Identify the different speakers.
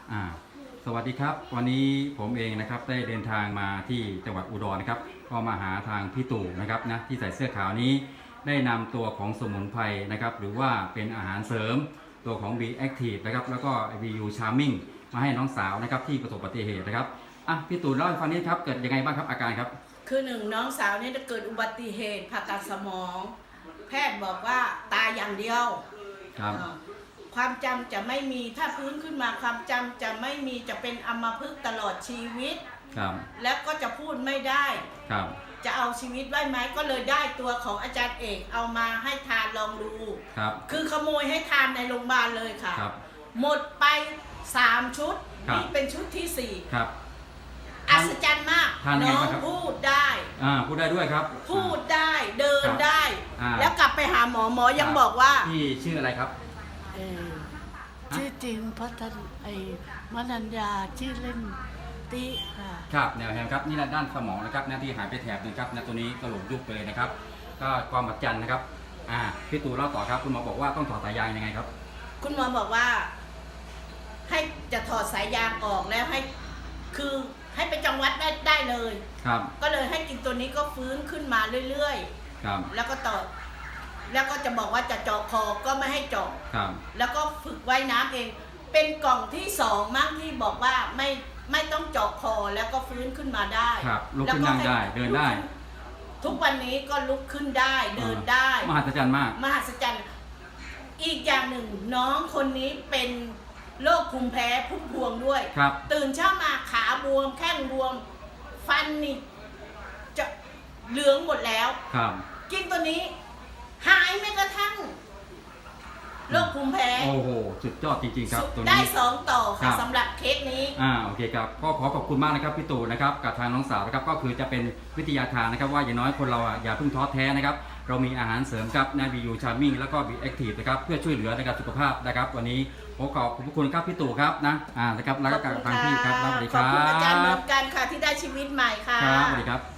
Speaker 1: อ่าสวัสดีครับวันนี้ผมเองนะครับได้เดินทางมาที่จังหวัดอุดรนะครับก็มาหาทางพี่ตู่นะครับนะที่ใส่เสื้อขาวนี้ได้นำตัวของสมุนไพรนะครับหรือว่าเป็นอาหารเสริมตัวของ B Active นะครับแล้วก็ VU Charming มาให้น้องสาวนะครับที่ประสบอุบัติเหตุนะครับพี่ตู่เล่าให้ฟังนิดครับเกิดยังไงบ้างครับอาการครับ
Speaker 2: คือหนึ่งน้องสาวเนี่ยเกิดอุบัติเหตุผ่าตัดสมอง แพทย์บอกว่าตายอย่างเดียว
Speaker 1: ครับ
Speaker 2: ความจำจะไม่มีถ้าฟื้นขึ้นมาความจำจะไม่มีจะเป็นอัมพฤกษ์ตลอดชีวิต
Speaker 1: ครับ
Speaker 2: แล้วก็จะพูดไม่ได้
Speaker 1: ครับ
Speaker 2: จะเอาชีวิตไว้ไหมก็เลยได้ตัวของอาจารย์เอกเอามาให้ทานลองดู
Speaker 1: ครับ
Speaker 2: คือขโมยให้ทานในโรงพยาบาลเลยค่ะ
Speaker 1: ครับ
Speaker 2: หมดไป3ชุดนี่เป็นชุดที่4
Speaker 1: ครับ
Speaker 2: อัศจรรย์มากน้องพูดได้
Speaker 1: พูดได้ด้วยครับ
Speaker 2: พูดได้เดินได้แล้วกลับไปหาหมอยังบอกว่า
Speaker 1: พี่ชื่ออะไรครับ
Speaker 3: ชื่อจริงพัฒนมนัญญาชื่อเล่นติค่ะ
Speaker 1: ครับแนวแฮมครับนี่ด้านสมองนะครับที่หายไปแถบนึงครับตัวนี้กระโหลกยุบไปเลยนะครับก็ความบัดจันนะครับพี่ตู่เล่าต่อครับคุณหมอบอกว่าต้องถอดสายยางยังไงครับ
Speaker 2: คุณหมอบอกว่าให้จะถอดสายยางออกแล้วให้คือให้ไปจังหวัดได้เลย
Speaker 1: ครับ
Speaker 2: ก็เลยให้กินตัวนี้ก็ฟื้นขึ้นมาเรื่อย
Speaker 1: ๆครับ
Speaker 2: แล้วก็ต่อแล้วก็จะบอกว่าจะเจาะคอก็ไม่ให้เจาะแล้วก็ฝึกว่ายน้ำเองเป็นกล่องที่2มั้งที่บอกว่าไม่ต้องเจาะคอแล้วก็ฟื้นขึ้นมาได้
Speaker 1: ครับลุกขึ้นนั่งได้เดินได้
Speaker 2: ทุกวันนี้ก็ลุกขึ้นได้เดินได้
Speaker 1: มหัศจรรย์มาก
Speaker 2: มหัศจรรย์อีกอย่างหนึ่งน้องคนนี้เป็นโรคภูมิแพ้พุ่มพวงด้วยตื่นเช้ามาขาบวมแข้งบวมฟันนี่จะเหลืองหมดแล้วกินตัวนี้หายแม้กระทั่งโรคภูมิแพ้
Speaker 1: โอ้โหสุดยอดจริงๆครับ
Speaker 2: ตัวนี้ได้2ต่อค่ะสำหรับเคสนี้
Speaker 1: โอเคครับก็ขอขอบคุณมากนะครับพี่ตู่นะครับกับทางน้องสาวนะครับก็คือจะเป็นวิทยาทานนะครับว่าอย่างน้อยคนเราอย่าเพิ่งท้อแท้นะครับเรามีอาหารเสริมครับVU Charming แล้วก็ B Active นะครับเพื่อช่วยเหลือในการสุขภาพนะครับวันนี้ขอบคุณครับพี่ตู่ครับนะครับแล้วก็ทางพี่ครับสวัสดีครับ
Speaker 2: ขอบคุณอาจารย์เหมือนกันค่ะที่ได้ชีวิตใหม่ค่ะ
Speaker 1: ครับสวัสดีครับ